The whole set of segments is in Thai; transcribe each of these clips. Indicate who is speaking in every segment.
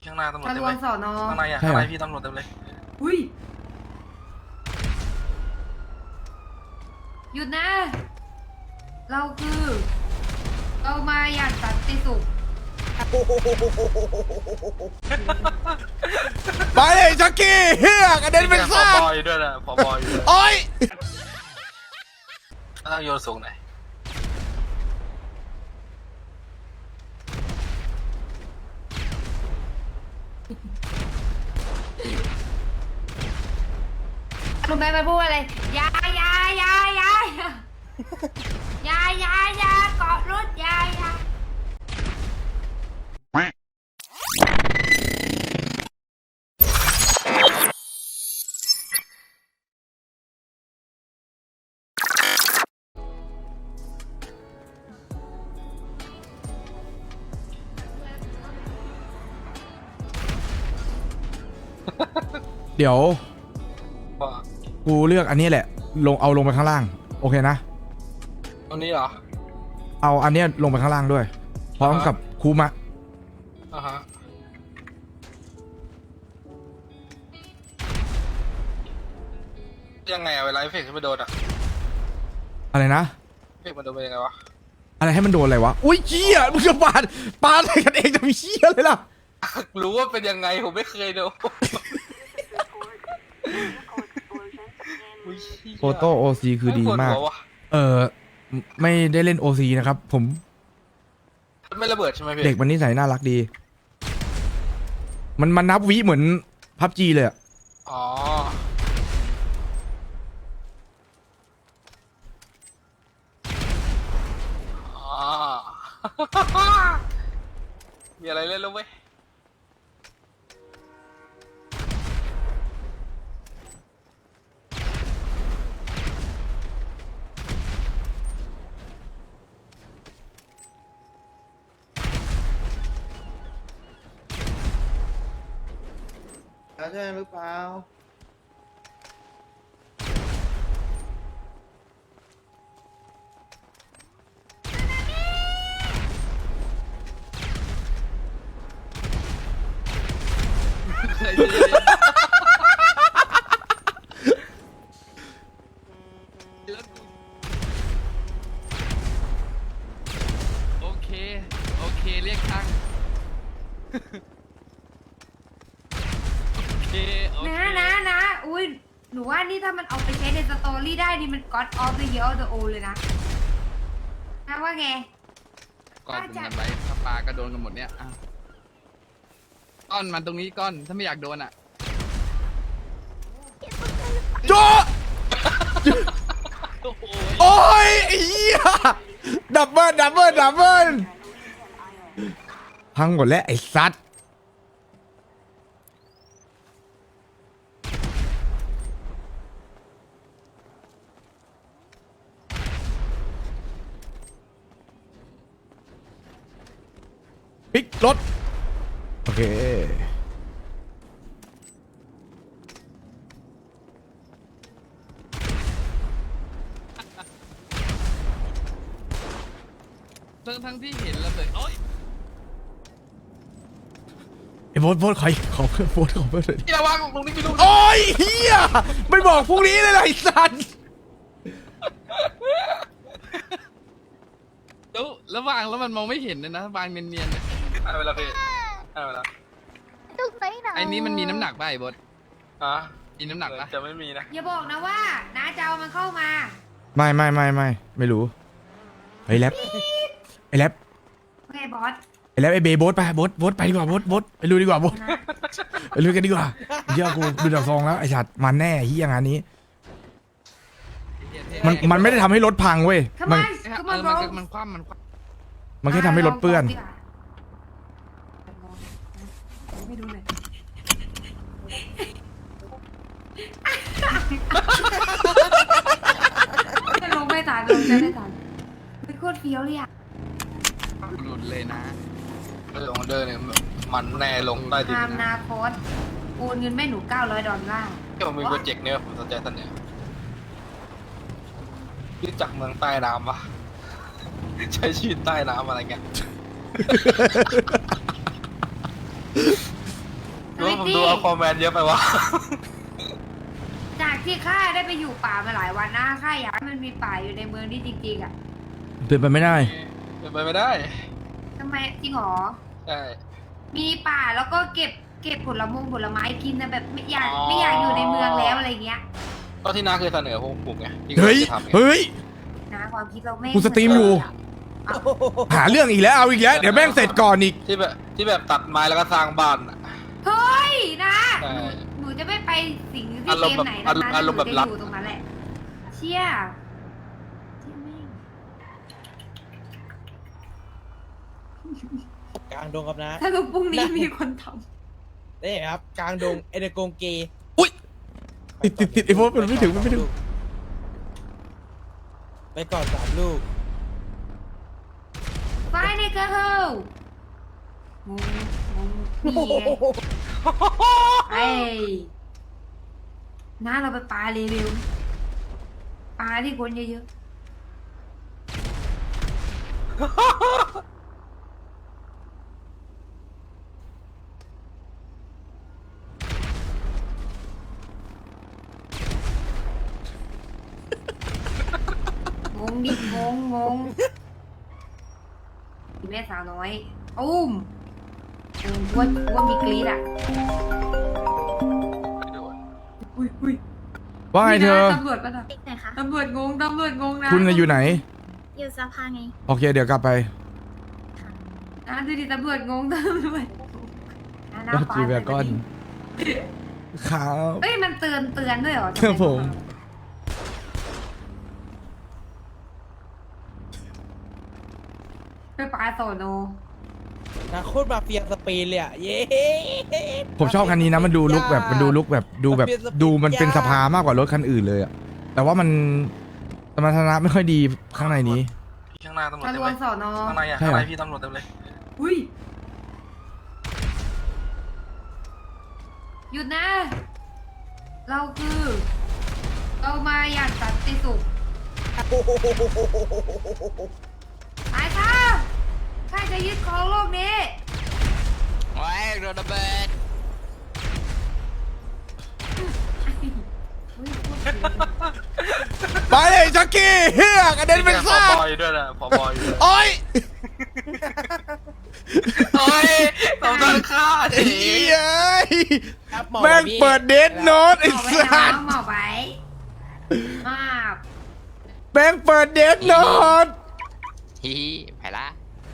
Speaker 1: ข้างหน้าตำรวจ
Speaker 2: ทะ
Speaker 1: เต็
Speaker 2: ล
Speaker 1: ม
Speaker 2: ว
Speaker 1: เล
Speaker 2: ง
Speaker 1: ย
Speaker 2: สอนอ
Speaker 1: ข้างในอ่ะ
Speaker 3: ใช่
Speaker 1: ข้าง
Speaker 3: เหร
Speaker 1: ใน
Speaker 3: อ
Speaker 1: พี่ตำรวจเต็มเลย
Speaker 2: อุ้ยหยุดนะ เราคือ เรามาอย่างสันติสุข
Speaker 3: ไปเลยชักกี้เฮียกระเด็นเป็น
Speaker 1: ผ
Speaker 3: ซ่า
Speaker 1: บอยด้วยนะผบอยด้วย
Speaker 3: โอ้ย
Speaker 1: ต้องโยนสูงหน่อย
Speaker 2: รู้ไหมมันพูดอะไรอยาอยาอยาอยาอยาอยาอยาอยาเกาะรถอยาอยา
Speaker 3: เดี๋ยว
Speaker 1: ว่า
Speaker 3: กูเลือกอันนี้แหละเอาลงไปข้างล่างโอเคนะ
Speaker 1: ตรงนี้เหรอ
Speaker 3: เอาอันเนี้ยลงไปข้างล่างด้วยพร้อมกับคูมะ
Speaker 1: อ่าฮะยังไงอะเวลาเอฟเฟกต์ขึ้นไปโดนอะ
Speaker 3: อะไรนะ
Speaker 1: เอฟเฟกต์มันโดนเป็นยังไงวะ
Speaker 3: อะไรให้มันโดนอะไรวะอุ้ยเฮียมึงจะปาอะไรกันเองจะมีเฮียเลยล่ะ
Speaker 1: รู้ว่าเป็นยังไงผมไม่เคยโดนอุ๊ยเหี้ย
Speaker 3: โฟโต้โอซีคือดีมาก
Speaker 1: ปวหัวว่ะ
Speaker 3: ไม่ได้เล่นโอซีนะครับผม
Speaker 1: ไม่ระเบิดใช่ไหมพี่
Speaker 3: เด็กมันนิสัยน่ารักดี มันนับวิเหมือนพับจีเลยอะ
Speaker 1: อ๋ออ๋อ มีอะไรเล่นแล้วเว้ย
Speaker 4: ใช่หรือเปล่า
Speaker 5: โอเค โอเค เรียกช่าง โอเค โอเค
Speaker 2: นะอุ้ยหนูว่านี่ถ้ามันเอาไปใช้ในสตอรี่ได้นี่มัน God of the Year of the O เลยนะนะว่าไง
Speaker 5: ก่อนเป็นกันไปถ้าปลาก็โดนกันหมดเนี่ยอ่ะก้อนมันตรงนี้ก้อน ถ้าไม่อยากโดนอ่ะ
Speaker 3: โจ
Speaker 5: โอ้โห
Speaker 3: โอ้ยไอ้เหี้ยดับเบิลพังหมดแล้วไอ้สัตว์พลิกรถโอเค
Speaker 5: ทั้งที่เห็นระเบิดโอ้ย
Speaker 3: ไอ้โบทขอเพื่อนโบทขอเพื่อนหน่อยดิ
Speaker 1: พี่ระวังตรงนี้มีลูก
Speaker 3: โอ้ยเฮียไม่บอกพรุ่งนี้เลยนะไอ้สัตว์
Speaker 5: แล้ววางแล้วมันมองไม่เห็นเลยนะวางเนียนๆเนี่ย
Speaker 1: เอาเวลาพี่เอาเวลา
Speaker 5: ไอ้นี้มันมีน้ำหนักป่ะไอ้บด
Speaker 1: ฮะ
Speaker 5: มีน้ำหนักป่ะ
Speaker 1: จะไม่มีนะ
Speaker 2: อย่าบอกนะว่าน้าจะเอามันเข้ามา
Speaker 3: ไม่รู้ไอ้แรปไอ้แรป
Speaker 2: โอเคบอส
Speaker 3: ไอ้แรปไอ้เบย์โบทไปโบทไปดีกว่าโบทไปลุยดีกว่าโบท
Speaker 2: นะ
Speaker 3: ไปลุยกันดีกว่าเชื่อกูดูดอกซองแล้วไอ้สัตว์มันแน่เฮียงานนี้ มันไม่ได้ทำให้รถพังเว้ย
Speaker 2: ทำไม
Speaker 3: มัน
Speaker 2: คือ
Speaker 5: เอ
Speaker 2: มัน
Speaker 5: อ
Speaker 2: ร้อง
Speaker 5: มันคว่ำมันคว่
Speaker 3: มันแค่ทำให้รถเปื้อน
Speaker 2: ไม่ดูเลยจะลงไม่ทันลงจะไม่ทันเป็นโคตรเฟี้ยวเลยอ่ะ
Speaker 5: ำหลุดเลยนะ
Speaker 1: ไม่ลงเดินเนี่ยมันแน่ลงใต้ดิน
Speaker 2: ตาม
Speaker 1: นะ
Speaker 2: นาโคตโอนเงินแม่หนู$900
Speaker 1: ที่ผมมีโปรเจกต์เนี่ยผมสนใจท่านเนี่ยรู้จักเมืองใต้น้ำปะใช้ชีวิตใต้น้ำอะไรเงี้ยผม
Speaker 2: ที่
Speaker 1: ดูอควาแมนเยอะไปวะ
Speaker 2: จากที่ข้าได้ไปอยู่ป่ามาหลายวันนะข้าอยากให้มันมีป่าอยู่ในเมืองนี่จริงๆอ่ะ
Speaker 3: เป็นไปไม่ได้
Speaker 1: เป็นไปไม่ได้
Speaker 2: ทำไมจริงหรอ
Speaker 1: ใช่
Speaker 2: มีป่าแล้วก็เก็บผลไม้กินนะแบบไม่อยากอยู่ในเมืองแล้วอะไรเงี้ย
Speaker 1: ก็ที่น้าเคยเสนอพวกผมไงที่
Speaker 3: เฮ้ย
Speaker 1: จะทำไง
Speaker 3: เฮ้ย
Speaker 2: นะความคิดเราไม่
Speaker 3: กูสตรีมอยู่
Speaker 2: เอา
Speaker 3: หาเรื่องอีกแล้ว เอาอีกแล้ว เดี๋ยวแม่งเสร็จก่อนอีก
Speaker 1: ที่แบบตัดไม้แล้วก็สร้างบ้านอะ
Speaker 2: เฮ้ยนะ
Speaker 1: ใช่
Speaker 2: หนูจะไม่ไปสิ่งที่
Speaker 1: อาร
Speaker 2: เก
Speaker 1: มณ์
Speaker 2: ม
Speaker 1: แบบ
Speaker 2: ไหนนะ
Speaker 1: อารมณ์แบบ
Speaker 2: หนู
Speaker 1: รั
Speaker 2: จะ
Speaker 1: ฐ
Speaker 2: อยู่ตรงนั้นแหละ เชี่ยแม่ง
Speaker 4: กลางดงครับนะ
Speaker 2: ถ้าลูกพรุ่งนี้มีคนท
Speaker 4: นี่ครับกลางดงเอเดโกงเก
Speaker 3: อุ้ย ติดไอ้โฟนมันไม่ถึงมันไม่ถึง
Speaker 4: ไปก่อน3 ลูก
Speaker 2: ำไฟในกระเฮางงนี่ไงไอ้น้าเราไปปลาเร็วๆปลาที่คนเยอะๆงงดิงงแม่สาวน้อยอุ้มว่ามีกรีดอ่ะ
Speaker 1: ไม่โดน
Speaker 2: อุ้ย
Speaker 3: ว่าไงเธอ
Speaker 2: ตำรวจป่ะน่ะ
Speaker 6: ติ๊กไหนคะ
Speaker 2: ตำรวจงงนะ
Speaker 3: คุณน่ะอยู่ไหน
Speaker 6: อยู่สภาไง
Speaker 3: โอเค เดี๋ยวกลับไป
Speaker 2: นะดูดิตำรวจงงตำรวจหน้าฟ้า
Speaker 3: จีแวกอนครับ
Speaker 2: เอ้ยมันเตือนด้วยเหรอ
Speaker 3: ครับผม
Speaker 2: ไปปลาโซโน
Speaker 4: นะโคตรมาเฟียสเปนเลยอ่ะ เย้
Speaker 3: ผมชอบคันนี้นะ มันดูลุกแบบดูดูมันเป็นสภามากกว่ารถคันอื่นเลยอะแต่ว่ามันสมรรถนะไม่ค่อยดีข้างในนี้
Speaker 1: พี่ข้างหน้าตำรวจ
Speaker 2: ทะ
Speaker 1: เต็
Speaker 2: ล
Speaker 1: ม
Speaker 2: ว
Speaker 1: เล
Speaker 2: ง
Speaker 1: ย
Speaker 2: สอนอ
Speaker 1: ข้างในอะ
Speaker 3: ใช่
Speaker 1: ข้าง
Speaker 3: เหรอ
Speaker 1: ในพี่ตำรวจเต็มเลย
Speaker 2: อุ้ยหยุดนะ เรามาอย่างสันติสุขตายค่ะข้าจะยึดครองโลกนี้
Speaker 5: โอ้ยโดนระเบิด
Speaker 3: ไปเลยจักกี้เฮียกระเด็นเป็น
Speaker 1: ผ
Speaker 3: ซ่า
Speaker 1: บอยด้วยนะผบอยด้วย
Speaker 3: โอ้ย
Speaker 1: โอ้ยต้องโดนฆ่าดิ
Speaker 3: เฮีย
Speaker 4: ครับหมอ
Speaker 3: แม่ง
Speaker 4: พี่
Speaker 3: เปิดเดทโน้ตไอ้
Speaker 2: หมอไว้
Speaker 3: สั
Speaker 2: นะ
Speaker 3: ส
Speaker 2: หมอไว้มาก
Speaker 3: แม่งเปิดเดทโน้ต
Speaker 5: ฮิฮิไปละ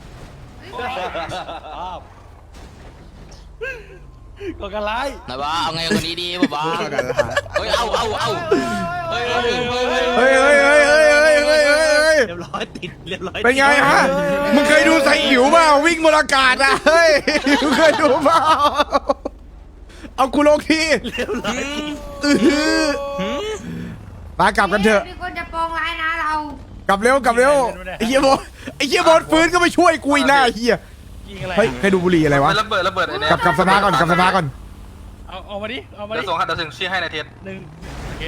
Speaker 4: ก็กันไร
Speaker 5: นะบ้าเอาไงคนนี้ดีบ้าเฮ้ยเอาเฮ้ย
Speaker 3: เฮ้ย
Speaker 4: เรียบร้อยติดเรียบร้อย
Speaker 3: เป็นไงฮะมึงเคยดูไซอิ๋วเปล่าวิ่งบนอากาศอะเฮ้ยมึงเคยดูเปล่าเอากูลงที
Speaker 4: เรียบร้อย
Speaker 3: มากลับกันเถอะ
Speaker 2: มีคนจะปองร้ายนะเรา
Speaker 3: กลับเร็วไอ้เหี้ยบอลฟื้นก็ไม่ช่วยกูอีกหน้าเหี้ย
Speaker 4: ยิงอะไร
Speaker 3: เฮ้ยใครดูบุหรี่อะไรวะ
Speaker 1: ระเบิดไอ้เนี่ย
Speaker 3: กลับสภาก่อนกลับสภาก่อน
Speaker 4: เอามาดิเอามา
Speaker 1: เดี๋
Speaker 4: ดิ
Speaker 1: ยวส่งให้เดี๋ยวส่งชื่อให้ในเทส
Speaker 4: 1โอเค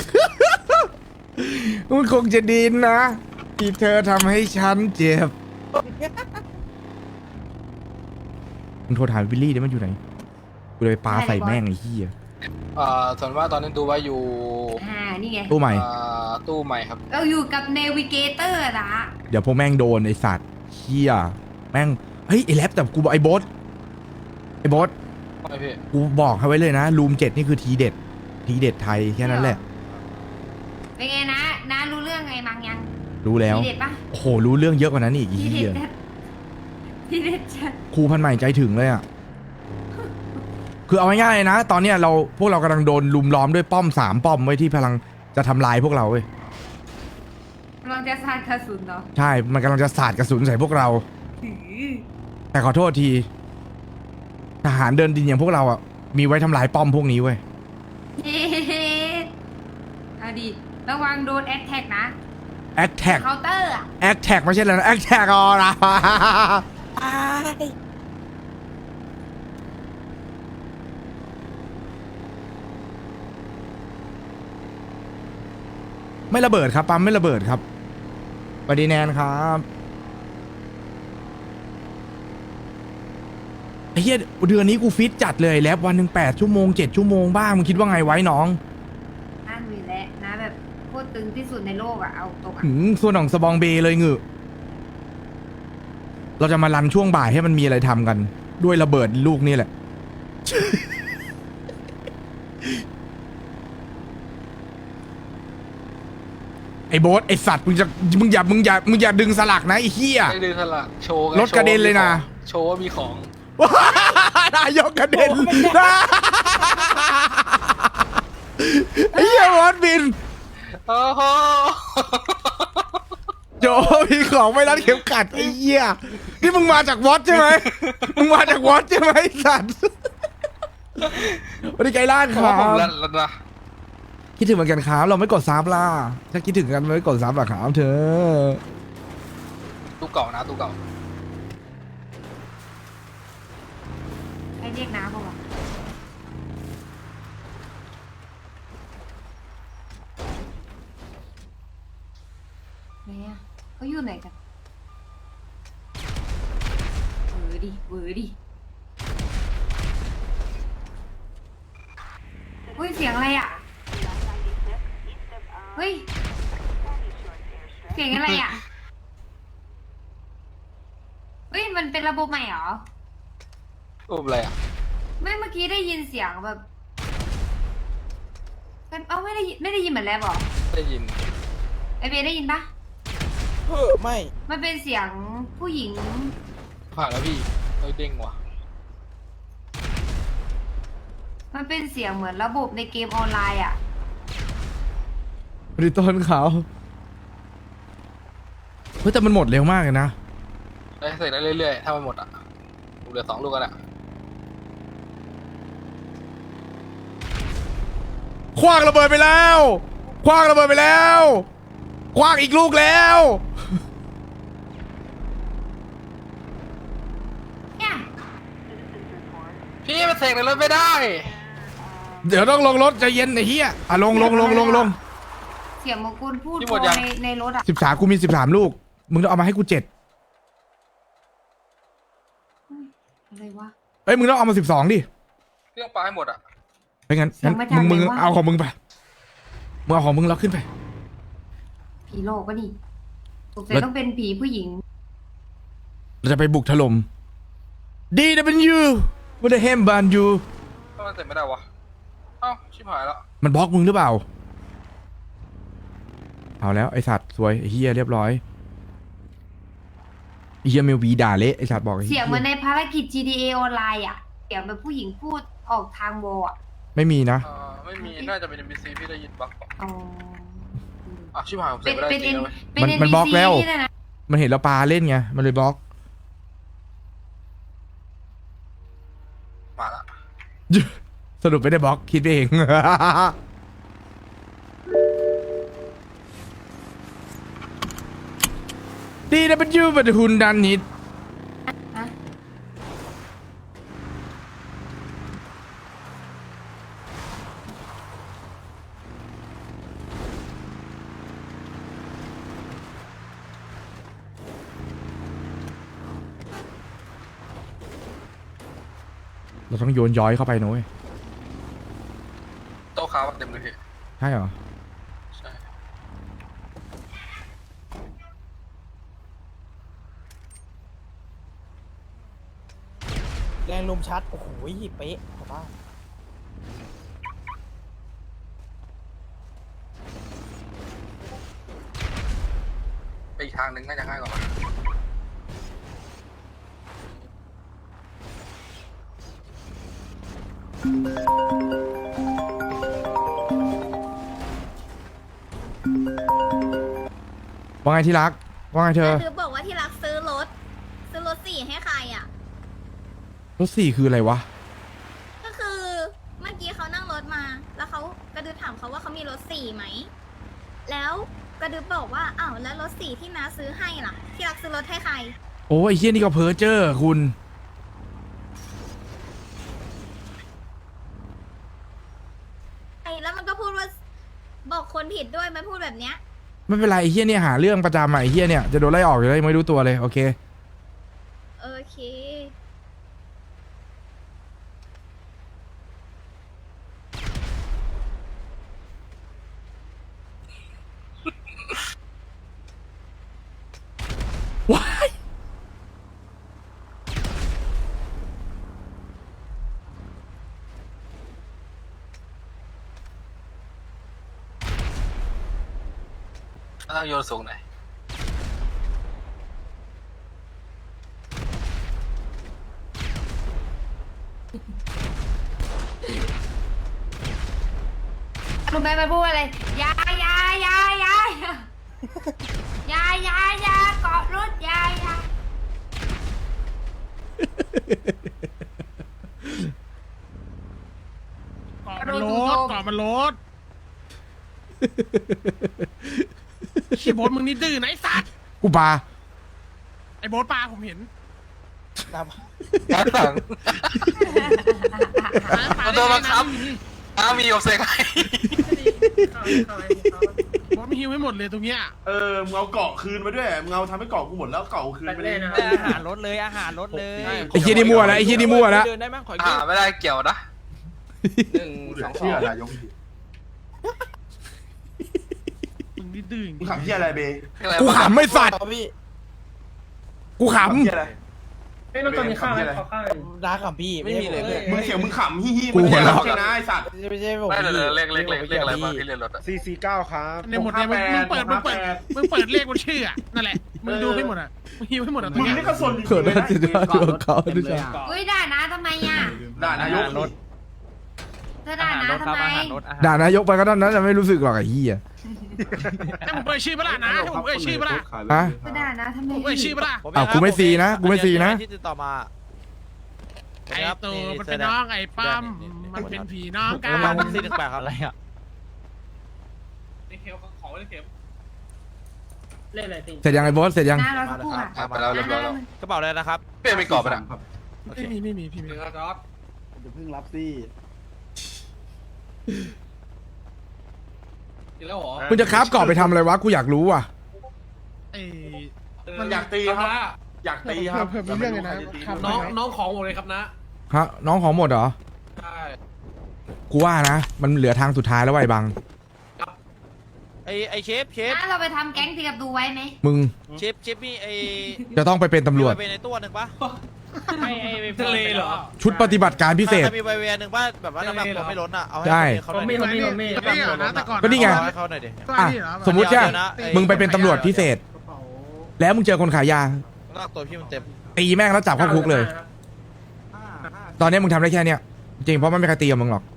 Speaker 3: มันคงจะดีนะที่เธอทำให้ฉันเจ็บมึงโทรถามวิลลี่ดิมันอยู่ไหนกูเลยปาใส่แม่งไอ้เหี้ย
Speaker 1: ส่วนว่าตอนนี้ดูไว้อยู่
Speaker 2: นี่ไง
Speaker 3: ตู้ใหม่
Speaker 1: ตู้ใหม่ครับ
Speaker 2: เราอยู่กับเนวิเกเตอร์นะ
Speaker 3: เดี๋ยวพวกแม่งโดนไอสัตว์เหี้ยแม่งเฮ้ยไอแรปแต่กูบอกไอโบส
Speaker 1: ไม่พี่
Speaker 3: กูบอกให้ไว้เลยนะรูม7นี่คือทีเด็ดไทยแค่นั้นแหละ
Speaker 2: เป็นไงนะน้ารู้เรื่องไงมังยัง
Speaker 3: รู้แล้ว
Speaker 2: ทีเด็ดปะ
Speaker 3: โอ้โหรู้เรื่องเยอะกว่านั้นอีกไอ้
Speaker 2: ที
Speaker 3: เหี้
Speaker 2: เด็
Speaker 3: ย
Speaker 2: ดจัดทีเด็ดจัด
Speaker 3: ครูพันใหม่ใจถึงเลยอ่ะคือเอาง่ายๆนะ ตอนเนี้ยพวกเรากำลังโดนลุมล้อมด้วยป้อม3 ป้อมไว้ที่พลังจะทำลายพวกเราเว้ย
Speaker 2: กำลังจะสาดกระสุนเนาะ
Speaker 3: ใช่มันกำลังจะสาดกระสุนใส่พวกเรา
Speaker 2: หือ
Speaker 3: แต่ขอโทษทีทหารเดินดินอย่างพวกเราอ่ะมีไว้ทำลายป้อมพวกนี้เว้ย
Speaker 2: เฮ้เอาดิระวังโดนแอคแท็กนะ
Speaker 3: แอคแท็ก
Speaker 2: เคาน์เตอร์อะ
Speaker 3: แอคแท็กไม่ใช่แล้วนะแอคแท็กอ๋อนะไม่ระเบิดครับปั๊มไม่ระเบิดครับสวัสดีแนนครับอ้เหี้ยเดือนนี้กูฟิตจัดเลยแล้ววันหนึ่ง8 ชั่วโมง 7 ชั่วโมงบ้างมึงคิดว่าไงไว้น้อง
Speaker 2: นั่นอยู่แล้วนะแบบโคตรตึงที่สุดในโลกอะเอาตรงอะ
Speaker 3: ส่วนของสบองเบเลยเงือเราจะมารันช่วงบ่ายให้มันมีอะไรทำกัน ด้วยระเบิดลูกนี่แหละ ไอ้โบ๊ทไอ้สัตว์มึงอย่าดึงสลักนะไอ้เหี้ย
Speaker 1: ไม่ดึงสลักโชว์ไง
Speaker 3: รถกระเด็นเลยนะ
Speaker 1: โชว์ว่ามีของ
Speaker 3: นายกกระเด็นไอ้เหี้ยวอดบิน
Speaker 1: โอ้โห
Speaker 3: โจมีของไม่รัดเข็มขัดไอ้เหี้ยนี่มึงมาจากวอตใช่ไหมมึงมาจากวอตใช่ไหมไอ้สัตว์วันนี้ไกลล้านค
Speaker 1: เพราะ
Speaker 3: รั
Speaker 1: ว่าผม
Speaker 3: บ
Speaker 1: แล้วนะ
Speaker 3: คิดถึงเหมือนกันครับเราไม่กดซับล่ะถ้าคิดถึงกันไม่กดซับหรอครับเธอ
Speaker 1: ตู้เก่านะตู้เก่า
Speaker 2: ให้เรียกน้าบอกว่าไหนอะเขาอยู่ไหนกันเวอร์ดิเฮ้ยเสียงอะไรอะเฮ้ยเสียงอะไรอะเฮ้ยมันเป็นระบบใหม่เหรอ
Speaker 1: รูปอะไรอ่ะ
Speaker 2: ไม่เมื่อกี้ได้ยินเสียงแบบเอ้าไม่ได้ยินเหมือนแล้วหรอ
Speaker 1: ได้ยิน
Speaker 2: ไอเบย์ได้ยินปะ
Speaker 6: ไม่
Speaker 2: มันเป็นเสียงผู้หญิง
Speaker 1: ผ่านแล้วพี่เฮ้ยเด้งว่ะ
Speaker 2: มันเป็นเสียงเหมือนระบบในเกมออนไลน์อ่ะ
Speaker 3: ริต้นเขาเฮ้ยแต่มันหมดเร็วมากเลยนะ
Speaker 1: ได้เสร็จได้เรื่อยๆถ้ามันหมดอ่ะผมเหลือ2 ลูกกันอ่ะ
Speaker 3: คว้างระเบิดไปแล้วคว้างระเบิดไปแล้วคว้างอีกลูกแล้ว
Speaker 2: เนี่ย
Speaker 1: พี่มันเสกในรถไม่ได้
Speaker 3: เดี๋ยวต้องลงรถใจเย็นไอ้เหี้ยอ่ะลง
Speaker 2: เสียงมงกุลพูด
Speaker 1: นี่หมดยัง
Speaker 2: ในรถอ่ะ
Speaker 3: 13กูมี13ลูกมึงต้องเอามาให้กู7
Speaker 2: อะไรวะ
Speaker 3: เอ้ยมึงต้องเอามา12ดิ
Speaker 1: เครื่องปลาให้หมดอ่ะ
Speaker 3: ไม่งั้น
Speaker 2: เสียงมาจาก
Speaker 3: มึง
Speaker 2: ไหนวะ
Speaker 3: เอาของมึงไปมึงเอาของมึงแล้วขึ้นไป
Speaker 2: ผีโลกก็นี่สงสัย
Speaker 3: แล้ว
Speaker 2: ต้องเป็นผีผู้หญิง
Speaker 3: เราจะไปบุกถล่ม DW ว่าได้เฮมบานยู
Speaker 1: ถ้ามันเสร็จไม่ได้วะเอ้าชิบหายแล้ว
Speaker 3: มันบล็อกมึงหรือเปล่าเอาแล้วไอสัตว์สวยไอเฮียเรียบร้อยไอเฮียเมลวีด่าเละไอสัตว์บอกไอ้
Speaker 2: เสียงเห
Speaker 3: หี้
Speaker 2: มือนในภารกิจ GTA ออนไลน์อ่ะเสียงแบบผู้หญิงพูดออกทางวอลอ่ะ
Speaker 3: ไม่มีนะ
Speaker 1: ไม่มีน่าจะเป็น NPC พี่ได้ยินปะ
Speaker 2: อ๋อ
Speaker 1: อ่ะชิบหายผมเสร็
Speaker 2: เป็
Speaker 1: จ
Speaker 2: น
Speaker 1: ไม่ได้
Speaker 2: เป็น
Speaker 1: จริง
Speaker 2: เป็น
Speaker 3: มันบล็อก
Speaker 2: NPC
Speaker 3: แล้ว
Speaker 2: นี่นะ
Speaker 3: มันเห็นเราปลาเล่นไงมันเลยบล็อก
Speaker 1: มาละ
Speaker 3: สรุปไม่ได้บล็อกคิดไปเอง DW บัตรหุ่นดันนิด
Speaker 2: ฮะ
Speaker 3: เราต้องโยนย้อยเข้าไปนะเว้ย
Speaker 1: โต๊ะค้าเต็มเลยพี่
Speaker 3: ใช่เหรอ
Speaker 1: ใช่
Speaker 6: แรงลมชัด โอ้โหเป๊ะขอบ้าน
Speaker 1: ไปอีกทางหนึ่งน่าจะง่ายกว่ามั้ง
Speaker 3: ว่าไงที่รักว่าไงเธอ
Speaker 7: คือบอกว่าที่รักซื้อรถ 4ให้ใครอ่ะ
Speaker 3: รถ4คืออะไรวะ
Speaker 7: ก็คือเมื่อกี้เขานั่งรถมา แล้วเขากระดึบถามเขาว่าเขามีรถ4ไหม แล้วกระดึบบอกว่าอ้าวแล้วรถ4ที่น้าซื้อให้ล่ะ ที่รักซื้อรถให้ใคร
Speaker 3: โอ้ยไอ้เฮียนี่ก็เพ้อเจ้อคุณ
Speaker 7: ไอ้แล้วมันก็พูดว่าบอกคนผิดด้วยมันพูดแบบเนี้ย
Speaker 3: ไม่เป็นไรไอ้เฮียเนี่ยหาเรื่องประจำอะไอ้เฮียเนี่ยจะโดนไล่ออกอยู่แล้วยังไม่รู้ตัวเลยโอเค
Speaker 7: โอเค
Speaker 1: ต้องโยนสูงหน่อย
Speaker 2: รู้ไหมมันพูดอะไรยายายายายายายาเกาะรถยายา
Speaker 4: เกาะมันรถเกาะมันรถขี้โบ๊ทมึงนี่ดื้อนะไอ้สัตว์
Speaker 3: กูปา
Speaker 4: ไอ้โบ๊ทปลาผมเห็น
Speaker 6: น้
Speaker 1: ด้านหลัง
Speaker 4: ปลา
Speaker 1: มันโดนบังคับมีกับเซ็กให้
Speaker 4: โบ๊ทไม่หิวให้หมดเลยตรงเนี้ย
Speaker 8: มึงเอาเกาะคืนมาด้วยมึงเอาทำให้เกาะกูหมดแล้วเกาะคืนไปเลย
Speaker 6: อาหารรถเลยอาหารรถเลย
Speaker 3: ไอ้เหี้ยนี่มั่วแล้วไอ้เหี้ยนี่มั่วแล้ว
Speaker 6: เดินได้ไหมขอยืม
Speaker 1: ไม่ได้เกี่ยวนะ
Speaker 8: 1 2 2นายก
Speaker 4: มึงนี่ดื้อจริง
Speaker 8: มึงขำที่อะไรเบ
Speaker 3: กูขำไม่สัตว์
Speaker 6: พี่
Speaker 3: กูข
Speaker 8: ขำที่อะไร
Speaker 9: เฮ้ยเราตอนนี้ข้าวให้ขอข้าว
Speaker 6: รักกับพี่ไม่มีเลยเพื่อน
Speaker 8: มึงเสียงมึงขำฮิฮิมึงอย่าใช่นะไอสัตว์
Speaker 6: ไม่ใช่ผม
Speaker 1: ไม่
Speaker 6: พี่
Speaker 1: เเลขอะไรบ้างที่เรียนรถอะ
Speaker 8: 449ครับ
Speaker 4: ในหมดเนี่ยมึงเปิดมึงเปิดเลขบนชื่ออะนั่นแหละมึงดูให้หมดอ่ะมึงหิวให้หมดอ่ะตร
Speaker 8: มึ
Speaker 4: ง
Speaker 8: ง
Speaker 4: เนี้ย
Speaker 8: นี่ก็สนจริง
Speaker 3: เกิด
Speaker 8: ๆเลย
Speaker 3: อะไร
Speaker 8: นะ
Speaker 3: ขึ้นดูเขาดูจ้า
Speaker 2: อุ้ยด่านะทำไมอ่ะ
Speaker 8: ด่านายกรถ
Speaker 2: เธอด่านะทำไม
Speaker 3: ด่านายกไปก็เท่านั้นจะไม่รู้สึกหรอกไอ้เหี้ย
Speaker 4: ให้ผมเอ่ยชื่อปะล่ะนะให้ผมเอ่ยชื่อปะล่ะ
Speaker 3: ฮะ
Speaker 2: เธอด่านะทำไม
Speaker 4: ผมเอ่ยชื่อปะล่ะ
Speaker 3: อ้าวกูไม่ซีนะกูไม่ซีนะ
Speaker 6: ที่ติดต่อมา
Speaker 4: ไอ้ตูมันเป็นน้องไอ้ปั้มมันเป็นผีน้องกัน
Speaker 6: น้อง418ครับอะไรอ่ะ
Speaker 4: ไอ้เข็มของไอ้เข็ม
Speaker 9: เล่นอะไรติ
Speaker 3: เสร็จยังไอ้บอสเสร็จยัง
Speaker 2: หน้าเราสักครู่อ่ะ
Speaker 1: ไปแล้วเรียบร้อยแล้ว
Speaker 6: กระเป๋าอะไรนะครับ
Speaker 1: เป้ไม่กรอบไปนะ
Speaker 4: ไม่มีพี่ไม่มี
Speaker 8: จะเพิ่งรับสิ
Speaker 4: กินแล้วเหรอ
Speaker 3: มึงจะคราฟกรอบไปทำอะไรวะกูอยากรู้ว่ะ
Speaker 4: ไอ้
Speaker 8: มันอยากตีครับอยากตีครับ
Speaker 4: เพิ่มมีเรื่องเลยนะ น้องของหมดเลยครับนะ
Speaker 3: ฮะน้องของหมดเหรอ
Speaker 4: ใช่
Speaker 3: กูว่านะ มันเหลือทางสุดท้ายแล้วไอ้บัง
Speaker 6: ไอเชฟ
Speaker 2: น้าเราไปทำแก๊งตีกับดูไว้ไหม
Speaker 3: มึง
Speaker 6: เชฟมีไอ
Speaker 3: จะต้องไปเป็นตำรวจ
Speaker 6: มีในตัวหนึ่งปะ
Speaker 4: ทะเลเหรอ
Speaker 3: ชุดปฏิบัติการพิเศษ
Speaker 6: มีใบเวหนึ่งปะแบบว่าน้ำหนักตัวไม่ล้นอ่ะเอาให้
Speaker 3: ใช่
Speaker 6: เขาหน่อยดิ
Speaker 9: ผมมี
Speaker 4: นี่เหรอนะแต่ก่อน
Speaker 3: ก็นี่ไง
Speaker 6: เอาให้เขาหน่อยดิ
Speaker 3: อ่ะสมมุติว่ามึงไปเป็นตำรวจพิเศษ แล้วมึงเจอคนขายยา
Speaker 6: น้ำหนักตัวพี่มันเต็ม
Speaker 3: ตีแม่งแล้วจับเข้าคุกเลย ตอนนี้มึงทำได้แค่เนี้ยจริงเพราะมันไม่มีใครตีกับมึงหรอก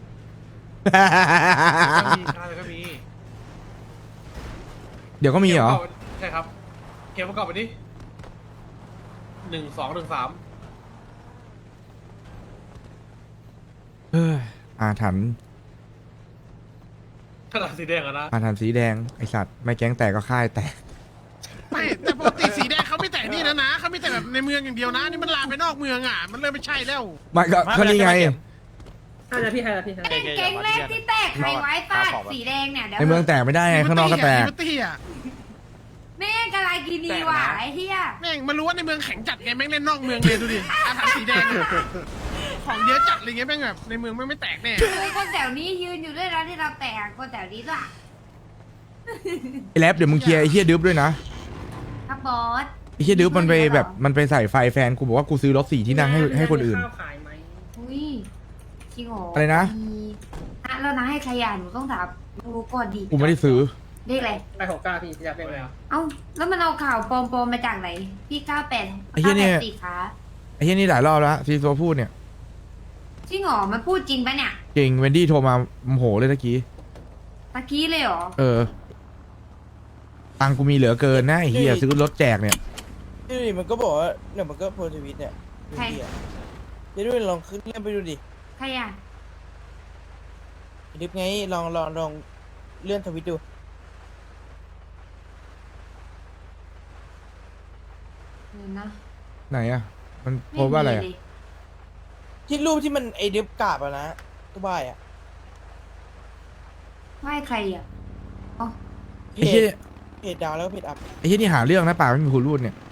Speaker 4: ก็มีก็มี
Speaker 3: เดี๋ยวก็มีเหรอ
Speaker 4: ใช่ครับเข็มประกอบไปดิ1 2 1 3
Speaker 3: เฮ้ยอาถรรพ์
Speaker 4: ขนาดสีแดงอะนะ
Speaker 3: อาถรรพ์สีแดงไอสัตว์ไม่แก๊งแตกก็ค่ายแตก
Speaker 4: ไม่แต่ปกติสีแดงเขาไม่แต่นี่นะเขาไม่แต่แบบในเมืองอย่างเดียวนะนี่มันลามไปนอกเมืองอ่ะมันเริ่มไม่ใช่แล้ว
Speaker 3: ไม่ก็นี่ไง
Speaker 9: ให้ละพี่ให้ละพี่ให้
Speaker 2: แก๊งแรกที่แตกใครไว้ฟาดสีแดงเนี่ยเดี๋ยว
Speaker 3: ในเมืองแตกไม่ได้ไงข้างนอกก็แตก
Speaker 4: ลิเบอร์ตี้อะ
Speaker 2: แม่งกะไรกินีว่ะไอ้เหี้ย
Speaker 4: แม่งมารู้ว่าในเมืองแข็งจัดไงแม่งเล่นนอกเมืองเลยดูดิอาถรรพ์สีแดงอะของเยอะจัดเลยไงแม่งแบบในเมืองไม่แตกแน่
Speaker 2: เฮ้ยคนแถวนี้ยืนอยู่ด้วยแล้วที่เราแตกคนแถวนี้ด้วย
Speaker 3: ไอแรปเดี๋ยวมึงเคลียร์ไอเฮียดึ๊บด้วยนะครับ
Speaker 2: บอส
Speaker 3: ไอเฮียดึ๊บมันไปแบบมันไปใส่ไฟแฟนกูบอกว่ากูซื้อรถ4 ที่นั่งให้คนอื่น
Speaker 9: ข้าวขายไหม
Speaker 2: อุ้ยจริงเหรอ
Speaker 3: อะไรนะ
Speaker 2: แล้วนะให้ใครอ่ะหนูต้องถามรู้ก่อนดี
Speaker 3: กูไม่ได้ซื้อ
Speaker 2: เรียกอะไร
Speaker 9: ไปหกเก้าพี่อยากเป็นอะไร
Speaker 2: เอ้าแล้วมันเอาข่าวปลอมๆมาจากไหนพี่98
Speaker 3: ไอ้เหี้ยเนี่ย
Speaker 2: สี่ขา
Speaker 3: ไอเฮียนี่หลายรอบแล้วซีโซพูดเนี่ย
Speaker 2: จริงเหรอมันพูดจริงปะเนี่ย
Speaker 3: จริงเวนดี้โทรมาโมโหเลยตะกี้
Speaker 2: ตะกี้เลยเหรอ
Speaker 3: เออตังค์กูมีเหลือเกินนะไอเฮียซื้อรถแจกเนี่ย
Speaker 6: นี่มันก็บอกว่าเนี่ยมันก็โพสต์ทวิตเนี่ยเดี๋ยวดูลองขึ้นเล่นไปดูดิ
Speaker 2: ใครอ่ะ
Speaker 6: ดิฟไงลองเลื่อนทวิตดู
Speaker 2: เดี๋ยวนะ
Speaker 3: ไหนอะมันโพสต์ว่าอะไรอะ
Speaker 2: ม่มีเลย
Speaker 6: ที่รูปที่มันไอดิฟกราบอะนะตัวบ้ายอะ
Speaker 2: ไหว้ใครอ่ะอ๋อ
Speaker 6: เพ
Speaker 3: ไอเฮีย
Speaker 6: จดาวแล้วก็เพจอัพ
Speaker 3: ไอเฮียนี่หาเรื่องนะป่าไม่มีคุณรูดเนี่ย